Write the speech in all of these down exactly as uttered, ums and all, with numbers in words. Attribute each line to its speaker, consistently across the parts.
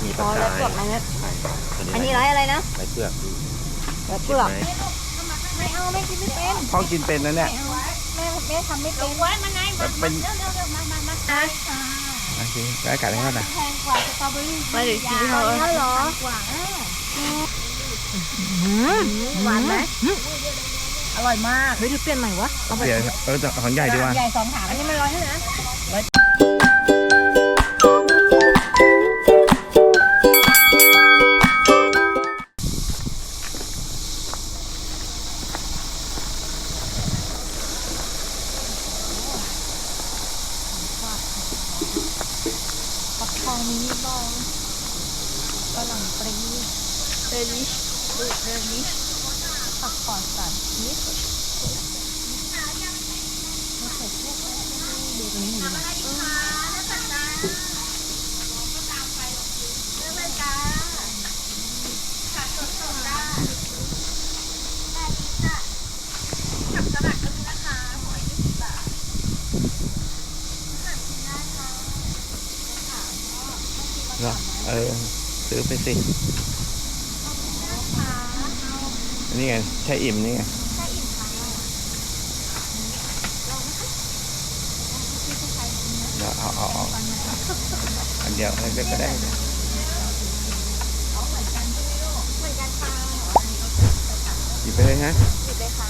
Speaker 1: มีป
Speaker 2: อ๋
Speaker 1: ลา
Speaker 2: อ
Speaker 1: กา
Speaker 2: ไร
Speaker 1: ย
Speaker 2: เปลือกไหมเนี่ย
Speaker 1: ใช่ตัว
Speaker 2: อันนี้
Speaker 1: ไร
Speaker 2: ไรอะไรนะ
Speaker 1: ไรเปลือก
Speaker 2: ไรเปลือก
Speaker 1: ไหม
Speaker 2: ไม่เอาไม่กินไม่เป็น
Speaker 3: พ่อกินเป็นนะเนี่ย
Speaker 2: ไม่เอาแม่แม่ทำไม่เป็น
Speaker 4: ไว้มาไหนมา
Speaker 3: เป็น
Speaker 4: เร็วเร็วเร็วมามามา
Speaker 2: นะ
Speaker 3: โอเคได้กัดให้เขาหน่อย
Speaker 4: แพงกว่าสตรอเบอรี่
Speaker 2: ไม่เดี๋ยวกินเขา
Speaker 4: เท่าหรอกว่า
Speaker 2: หวานไหม
Speaker 4: อร่อยมาก
Speaker 2: เฮ้ยเดี๋ยวเปลี่ยนใหม่วะเอาไป
Speaker 3: เดี๋ยวเออของใหญ่ดีกว่า
Speaker 4: ใหญ่สองถาด
Speaker 2: อันนี้มันร้อยเท่าไหร่นะ
Speaker 4: ปักทองมินิบอลกระหล่ำปลีเดลิชดูเดลิชผักปอดสัตว์นิดดูตรงนี้หน่อย
Speaker 3: เหรอเออซื้อไปสินี่ไงใช่อิ่มนี่ไงเดี๋ยวเอาเอาเอาอันเดียวอันเดียวก็ได้หยิบไปเลยฮะ
Speaker 2: หยิบเลยค่ะ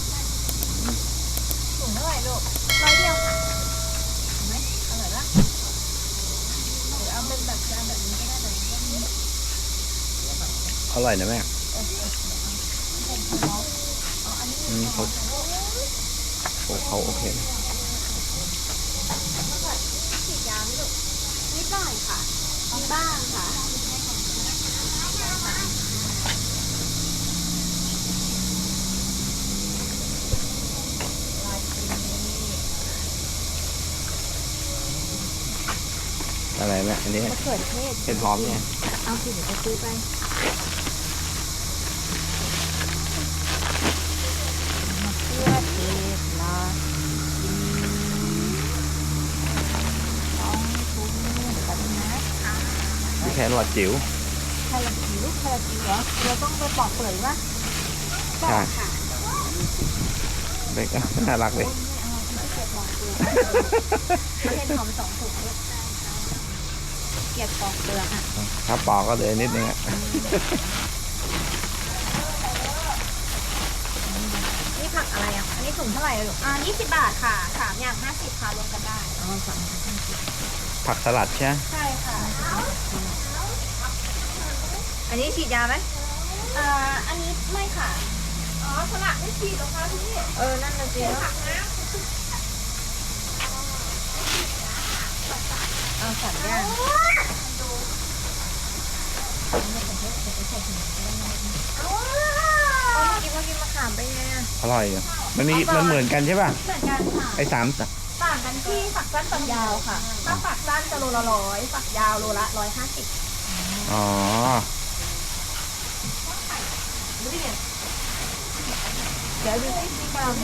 Speaker 2: ถุงเท่าไหร่ลูกร้อยเดียวค่ะ
Speaker 4: เอาเป็นแบบจานแบบนี้ก็ได้เลย
Speaker 3: อร่อยนะแม่อืมเขาโอ้เขาโอเคนะ
Speaker 2: ฉีดยาไหมลูกนิดหน่อยค่ะมีบ้างค่ะ
Speaker 3: อะไรแม่อันนี้
Speaker 2: มะเขือเทศ
Speaker 3: เห็ดหอมเนี่ย
Speaker 2: เอาสิเดี๋ยวจะซื้อไปมะเขือเทศละกินสองถุงกันนะคะ
Speaker 3: นี่แค่หลอดจิ๋ว
Speaker 2: แครอทจิ๋วแครอทจิ๋วเหรอเราต้องไปปอกเปลือกปะปอกค่ะ
Speaker 3: เด็กก็น่ารักเลย
Speaker 2: ไม่เอาไม่เกลียดปอกเปลือกเอาเห็ดหอมสองถุงลูกได้ค่ะเกลียดปอกเปลือกอ่ะ
Speaker 3: ถ้าปอกก็เหลยนิดนึงอ่ะ
Speaker 2: นี่ผักอะไรอ่ะ อันนี้ถุงเท่าไหร่อะลูก
Speaker 4: อ่ายี่สิบบาทค่ะสามอย่างห้าสิบค่ะรวมกันได้
Speaker 2: อ๋อสามสิบห้าสิบ
Speaker 3: ผักสลัดใช่ไหม
Speaker 4: ใช่ค่ะ
Speaker 2: อันนี้ฉีดยาไหม
Speaker 4: อ่าอันนี้ไม่ค่ะอ๋อสลัดไม่ฉีดหรอคะพี่
Speaker 2: เออ นั่นน่ะสิเนาะเอาสัตว์ย่างเอาเมื่อกี้ว่ากินมะขามไปไงอ่ะ
Speaker 3: อร่อยอ่ะมันมีมันเหมือนกันใช่ป่ะ
Speaker 4: เหมือนกันค่ะ
Speaker 3: ไอ้สาม
Speaker 4: ต่างกันที่ฝักสั้นฝักยาวค่ะ ถ้าฝักสั้นจะโลละร้อยฝักยาวโลละร้อยห้าสิบ
Speaker 3: อ๋อ
Speaker 2: เดี๋ยวดูสิสีกรัม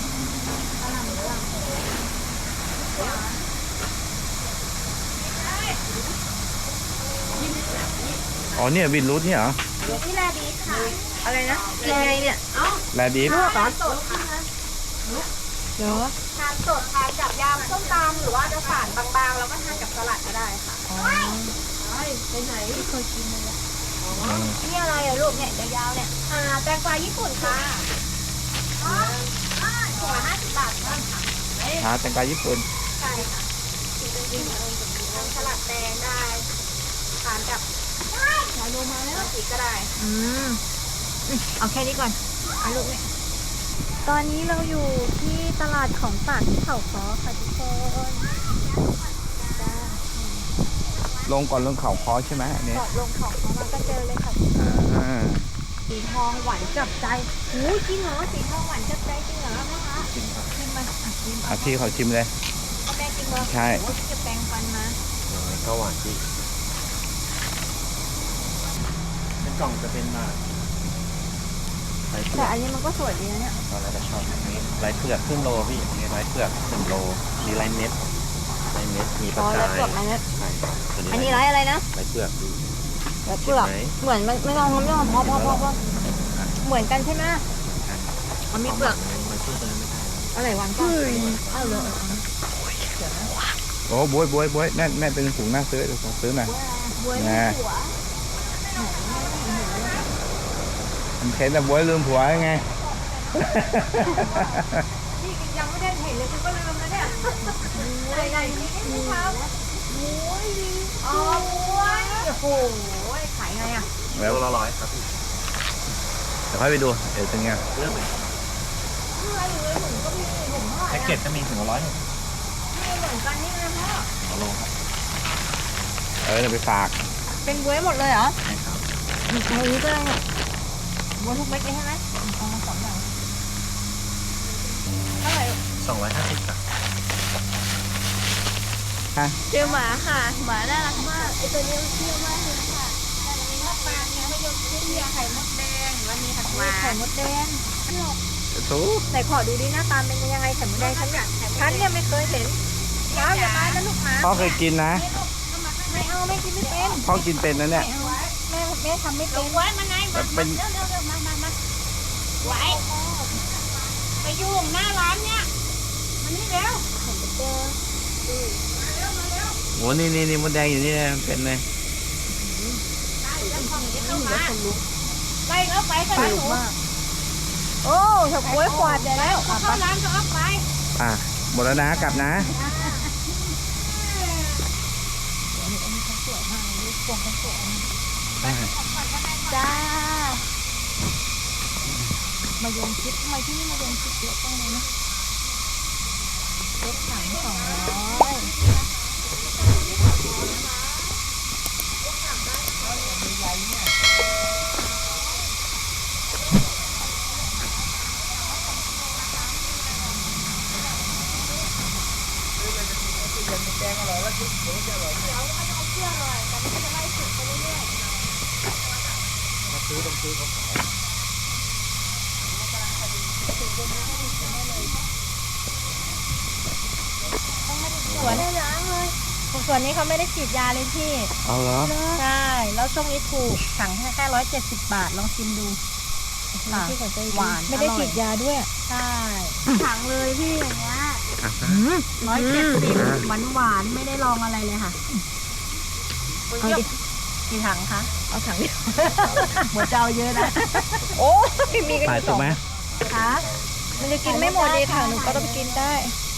Speaker 3: อ๋อเนี่ยบินรูทเนี่ยเหรอ
Speaker 4: นี่แลดีค่ะ
Speaker 2: อะไรนะกินไงเนี่ย
Speaker 3: แลบีฟ
Speaker 2: ลวกเหรอ
Speaker 4: สดค่ะ
Speaker 2: เดี๋ยว
Speaker 4: ทานสดทานกับยำส้มตำหรือว่าจะฝานบางๆ แล้วก็ทานกับสลัดก็ได้ค่ะ
Speaker 2: อ๋อ
Speaker 4: ไปไหนที่เคยกินเลย
Speaker 3: อืม
Speaker 2: นี่อะไรอ่ะลูกเนี่ยยาวๆเนี่ย
Speaker 4: อ่าแตงกวาญี่ปุ่นค่ะถุงละห้าสิบบาทค่ะ
Speaker 3: หาแตงกวาญี่ปุ่น
Speaker 4: ใช่ค่ะทานสลัดแดงได้ทานกับชาโลมาแล้วสีก็ได้
Speaker 2: อืมอืมเอาแค่นี้ก่อนเอาลูกเนี่ย ตอนนี้เราอยู่ที่ตลาดของฝากที่เขาค้อค่ะทุกคนจ้า
Speaker 3: ลงก่อนลงเขาคอใช่ไหมอันนี้
Speaker 2: เกาะลงเขาค้อมาก็เจอเลยค่ะ
Speaker 3: อ่า
Speaker 2: สีทองหวานจับใจหูยจริงเหรอสีทองหวานจับใจจริงเหรอแม่คะ
Speaker 3: ชิมครับ
Speaker 2: ชิมมาอ่ะชิม
Speaker 3: อ่ะพี่เขาชิมเลย
Speaker 2: เอาแม่จริงเหรอ
Speaker 3: ใช่
Speaker 2: โอ้ยจะแปรงฟันมา
Speaker 1: ก็หวานที่เป็นกล่องจะเป็นมาไรเปลื
Speaker 2: แต่
Speaker 1: อก
Speaker 2: อันนี้มันก็สวยดีนะเนี่ย
Speaker 1: ตอนแรกก็ชอบอันนี้ไรเปลือกครึ่งโลพี่อันนี้ไรเปลือกหนึ่งโลมีไรเม็ดไรเม็ดมีป
Speaker 2: อ๋
Speaker 1: ลา
Speaker 2: อ
Speaker 1: กา
Speaker 2: ไรเปลือก
Speaker 1: ย
Speaker 2: ไรเม็ด
Speaker 1: ใช่ตัวนี้
Speaker 2: อันนี้ไรอะไรนะ
Speaker 1: ไรเปลือกดู
Speaker 2: ไรเปลือก
Speaker 1: เห็นไหม
Speaker 2: เหมือนมันไม่ลองไม่ลองพอพอพอพอเหมือนกันใช่ไหมมันมีเปลือก
Speaker 1: มันสู้ตัวนั้นไม่ได้
Speaker 2: อะไรหวานกว่าเอาเลย
Speaker 3: โอ้บวยบวยบวยแม่แม่เป็นถุงหน้าซื้อเดี๋ยวผมซื้อหน่อย
Speaker 2: บัว
Speaker 3: นะ
Speaker 2: หัว
Speaker 3: มันเห็นแต่บวยลืมผัวยังไง
Speaker 2: นี่ยังไม่ได้เห็นเลยคุณก็ลืมแล้วเนี่ยไหนไหนนี่นี่ครับบัวอ๋อบัวโอ้โหขายไงอ่ะ
Speaker 3: แล้ว
Speaker 1: ตัวละร้อยครับพี่
Speaker 3: เดี๋ยวค่อยไปดูเดี๋ยวเป็นไง
Speaker 1: เรื่องเลย
Speaker 2: เมื่อหรือถุงก็มีถุงเท่าไหร่
Speaker 1: แพ็กเกจก็มีถึงละร้อยหนึ่ง
Speaker 2: นี่เหมือนกันนี่นะพ่อ
Speaker 1: เอาลงครับ
Speaker 3: เออเดี๋ยวไปฝาก
Speaker 2: เป็นบัวหมดเลยเหรอ
Speaker 1: ใช่ครับ
Speaker 2: เอานี้ก็ได้เนี่ยบัวทุกเม็ดเลยใช่ไหมเอามาสองอย่างเท่าไหร่
Speaker 1: สองร้อยห้าสิบครับ
Speaker 4: เจอหมาค่ะหมาน่ารักมากไอตัวนี้มันเชื่อมากเลยค่ะมีมะปรางเนี่ยมะยมชิดเมียไข่มดแดงแล้วมีผักหวา
Speaker 2: ไข่
Speaker 4: น
Speaker 2: มดแดง
Speaker 3: ถู
Speaker 2: ไหนขอดูดิหน้าตาเป็นยังไงไข่มดแดงฉันเนี่ยฉันเนี่ยไม่เคยเห็นเช้าอย่ามานะลูกหมา
Speaker 3: พ่อเคยกินนะ
Speaker 2: ไม่เอาไม่กินไม่เป็น
Speaker 3: พ่อกินเป็นนะเนี่ย
Speaker 2: แม่แม่ทำไม่เป็น
Speaker 4: ไว้มาไหนมา
Speaker 3: เป็น
Speaker 4: เร็วเร็วเร็วมามามาไว้ไปยุ่งหน้าร้านเนี่ยมันนี่เร็ว
Speaker 3: โหนี่นี่นี่มดแดงอยู่นี่นะเป็นเลย
Speaker 4: เข้ามาไล่เข้าไปก็ได้หนู
Speaker 2: โอ้เฉาก๊วยขวดเดี๋ยวแล้ว
Speaker 4: เข้าร้านก็ออกไป
Speaker 3: อ่ะหมดแล้วนะกลับนะ
Speaker 2: จ้ามายงชิดทำไมที่นี่มายงชิดเยอะจังเลยนะรถถังสองร้อยสวนได้ล้างเลยสวนนี้เขาไม่ได้ฉีดยาเลยพี่
Speaker 3: เอาเหรอ
Speaker 2: ใช่ แล้วช่วงนี้ถูกถังแค่แค่ร้อยเจ็ดสิบบาท ลองชิมดูค่ะหวาน
Speaker 4: ไม่ได้ฉีดยาด้วย
Speaker 2: ใช่
Speaker 4: ถังเลยพี่อย่างเงี้ย
Speaker 2: ร้อยเจ็ดสิบหวานหวานๆไม่ได้ลองอะไรเลยค่ะเอาดิกี่ถังคะ เอาถังเดียวหัวเจ้าเยอะนะ โอ้ยมีกันอ
Speaker 3: ขาย
Speaker 2: ยู่ส
Speaker 3: ถู
Speaker 2: อก ง
Speaker 3: ไหม
Speaker 2: คะมันจะกินไม่หมดดีถังหนูก็ต้องกินได้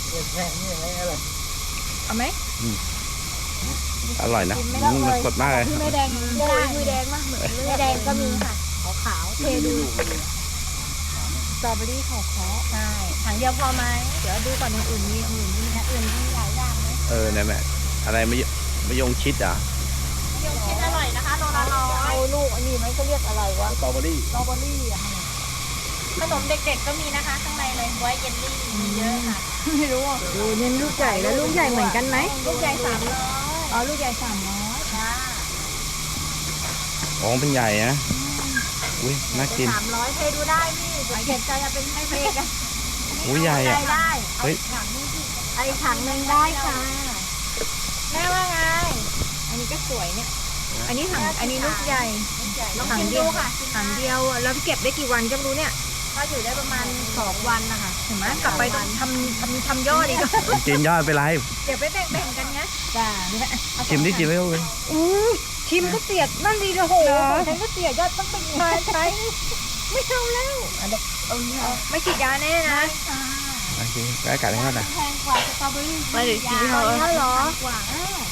Speaker 2: เอาไหม
Speaker 3: อร่อยนะอืมมันสดมากเลย
Speaker 2: พี่ไม่แดงไม่ได้ไม่แดงมากเหมือนไม่แดงก็มีค่ะขาวขาวๆเทดูสตรอเบอรี่ขาวขาวใช่ถังเดียวพอไหมเดี๋ยวดูก่อนอย่างอื่นมีอย่างอื่นมีนะอื่นมีหลายอย่างเลย
Speaker 3: เออเนี่ยแม่อะไรมะยมะยงชิดอ่ะ
Speaker 2: ยงชิดอร่อยนะคะโลละร้อยเอาลูกอันนี้ไหมเขาเรียกอะไรวะ
Speaker 1: สตรอเบอรี่
Speaker 2: สตรอเบอรี่อะขนมเด็กๆก็มีนะคะข้างในเลยไว้เยลลี่มีเยอะค่ะไม่รู้อ่ะดูเนี่ยลูกใหญ่แล้วลูกใหญ่เหมือนกันไหมลูกใหญ่สามร้อยอ๋อลูกใหญ่สามร้อยค่ะ
Speaker 3: อ๋อเป็นใหญ่นะอุ้ยน่ากิน
Speaker 2: สามร้อยเทดูได้พี่เขียนใจจะเป็นให้เมกัน
Speaker 3: อุ้ยใหญ่
Speaker 2: ได้
Speaker 3: อ่ะ
Speaker 2: ได้
Speaker 3: เฮ้ย
Speaker 2: ไอ้ถังหนึ่งได้ค่ะแม่ว่าไง อันนี้ก็สวยเนี่ย อันนี้ถังอันนี้ลูกใหญ่ถังเดียวค่ะถังเดียวแล้วเก็บได้กี่วันก็ไม่รู้เนี่ยก็อยู่ได้ประมาณสองวันนะคะเห็นไหมกลับไปต้องทำทำทำยอดอีก
Speaker 3: กินยอดไปไร
Speaker 2: เดี๋ยวไปแบ่งๆกันไงจ้า
Speaker 3: ชิมที่กินไม่รู้เลย
Speaker 2: อู้ชิมก็เสียดนั่นดีเลยโหฉันก็เสียยอดต้องเป็นใช้ใช้ไม่เอาแล้วไม่ฉีดยาแน่นะ
Speaker 3: โอเคแล้วกัดให้เขาหน่อย
Speaker 4: แพงกว่าสตรอเบอรี่
Speaker 2: ไม่ได้กินเหรอเหรอก
Speaker 4: ว่า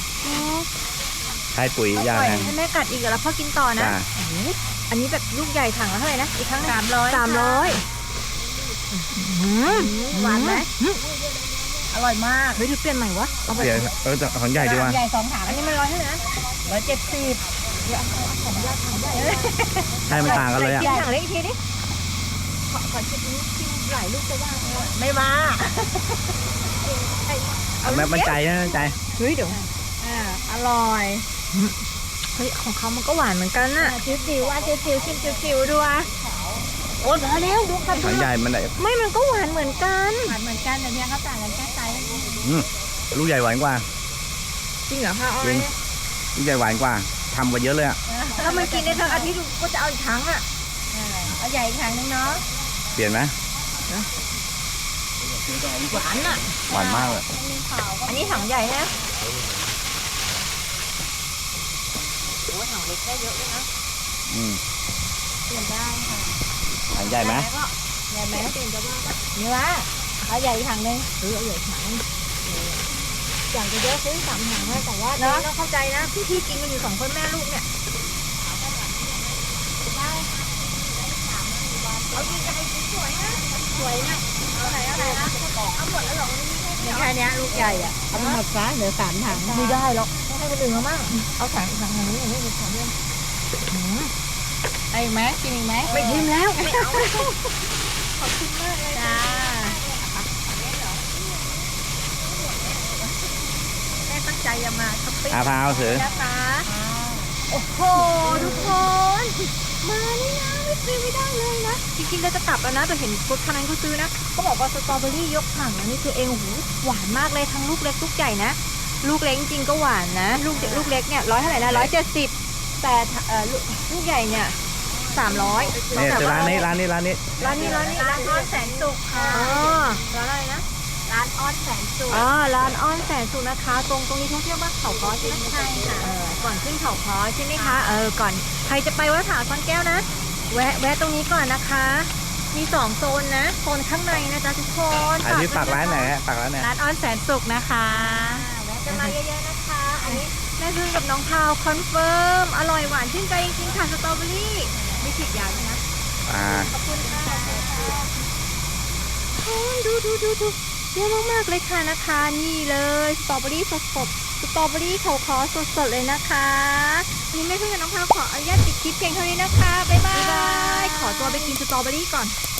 Speaker 3: ให้ปุ๋ยยา
Speaker 2: ปล่อย
Speaker 3: แรง
Speaker 2: ให้แม่กัดอีกแล้วพ่อกินต่อนะ
Speaker 3: จ้า
Speaker 2: อันนี้แบบลูกใหญ่ถังละเท่าไหร่นะอีกครั้งสามร้อยสามร้อยหวานไหมอร่อยมากเฮ้ยเดี๋ยวเปลี่ยนใหม่วะเอาไป
Speaker 3: เดี๋ยวเออของใหญ่ดีกว่า
Speaker 2: ใหญ่สองถังอันนี้มันร้อยเท่าไหร่นะร้อยเจ็ดสิบ
Speaker 3: ใช่มันต่างกันเลยอ่ะ
Speaker 2: กินถังเล็กอีกทีดิขอขอชิมนี้ชิมหลายลูกจะว่าไม่มา
Speaker 3: แม่มั่นใจนะมั่นใจ
Speaker 2: เฮ้ยเดี๋ยวอ่าอร่อยเฮ้ยของเขามันก็หวานเหมือนกันน่ะจิ๋วจิ๋วว่าจิ๋วจิ๋วชิมจิ๋วจิ๋วดูอ่ะโอ้ยมาแล้วดูกัน
Speaker 3: ของใหญ่มันไหน
Speaker 2: ไม่มันก็หวานเหมือนกันหวานเหมือนกันแต่เนี้ยเขาต่างกันแค่ไซส์
Speaker 3: อืมลูกใหญ่หวานกว่า
Speaker 2: ใจริงเหรอคะอ้อ
Speaker 3: จริ
Speaker 2: ย
Speaker 3: งลูกใหญ่หวานกว่าทำกว่าเยอะเลยอ่ะ
Speaker 2: ถ้ามันกินได้ทั้งอาทิตย์ก็จะเอาอีกครั้งอ่ะเอาใหญ่อีกครั้งนึงเนาะ
Speaker 3: เปลี่ยนไหม
Speaker 2: หวานอ่ะ
Speaker 3: หวานมากเลย
Speaker 4: มีขาวก็
Speaker 2: อันนี้ถังใหญ่นะโอ้ถังเล็กได้เยอะด้วยนะ
Speaker 3: อืม
Speaker 4: เปลี่ยนได้ค่ะ
Speaker 3: ถังใหญ่ไหม
Speaker 2: แล้วก็ใหญ่ไหมเปลี่ยนจะว่าเนื้อเอาใหญ่อีกถังนึงหรือเอาใหญ่อีกถังนึงอยากจะเยอะซื้อสามถังนะแต่ว่าเนาะต้องเข้าใจนะพี่พี่กินกันอยู่สองคนแม่ลูกเนี่ยเอาจริงจะไปสวยนะสวยนะเอาไหนเอาไหนนะเอาหมดแล้วหรอมีแค่นี้ลูกใหญ่อ่ะเอาไปหมดซะเหลือสามถังไม่ได้หรอกต้องให้คนอื่นเขามั่งเอาถังถังนี้อย่างนี้เป็นถังเดียว
Speaker 4: ไอ้ไหมกินอีกไหม
Speaker 2: ไม่ชิมแล้วไม่เอา
Speaker 4: ขอบคุณมากเลย
Speaker 2: จ้าแม่ตั้งใจจะมาช้อปปิ้ง
Speaker 3: อาพาวถือ
Speaker 2: นะคะโอ้โหทุกคน มานี่นะไม่ซื้อไม่ได้เลยนะจริงๆเราจะกลับแล้วนะแต่เห็นรถคันนั้นเขาซื้อนะเขาบอกว่าสตรอเบอรี่ยกถังนะนี่คือเองโอ้โหหวานมากเลยทั้งลูกเล็กลูกใหญ่นะลูกเล็กจริงๆก็หวานนะ ลูกลูกเล็กเนี่ยร้อยเท่าไหร่นะร้อยเจ็ดสิบแต่เอ่อลูกลูกใหญ่เนี่ยสามร้อย
Speaker 3: เนี่ยร้านนี้ร้านนี้ร้านนี้
Speaker 2: ร้านนี้ร้านนี้ร้านอ้อนแสนสุขค่ะอ๋อร้านอะไรนะ
Speaker 4: ร้านอ้อนแสนสุข
Speaker 2: อ๋อร้านอ้อนแสนสุขนะคะ ตรงตรงนี้ท่องเที่ยวบ้านเขาค้อใช่ไหม
Speaker 4: ใช่ค่ะ
Speaker 2: เออก่อนขึ้นเขาค้อใช่ไหมคะเออก่อนใครจะไปวัดผาซ่อนแก้วนะ แวะแวะตรงนี้ก่อนนะคะ มีสองโซนนะโซนข้างในนะจ๊ะทุกคน
Speaker 3: อันนี้ฝากร้านไหนฮะฝากร้านไหน
Speaker 2: ร้านอ้อนแสนสุขนะคะ
Speaker 4: แวะ
Speaker 2: จะมาเยอะๆนะคะ อันนี้แม่พึ่งกับน้องพาวคอนเฟิร์มอร่อยหวานชื่นใจจริงๆค่ะสตรอเบอรี่ไม่ฉีดยาด้วยนะ
Speaker 3: อ่า
Speaker 2: ขอบคุณค่ะโอ้ยดูดูดูดูเยอะมากๆเลยค่ะนะคะ นี่เลยสตรอเบอรี่สดสดๆสตรอเบอรี่เขาคอสดสดๆเลยนะคะวันนี้แม่เพื่อนกับน้องพาวขออนุญาตปิดคลิปเพียงเท่านี้นะคะ บ๊ายบาย ขอตัวไปกินสตรอเบอรี่ก่อน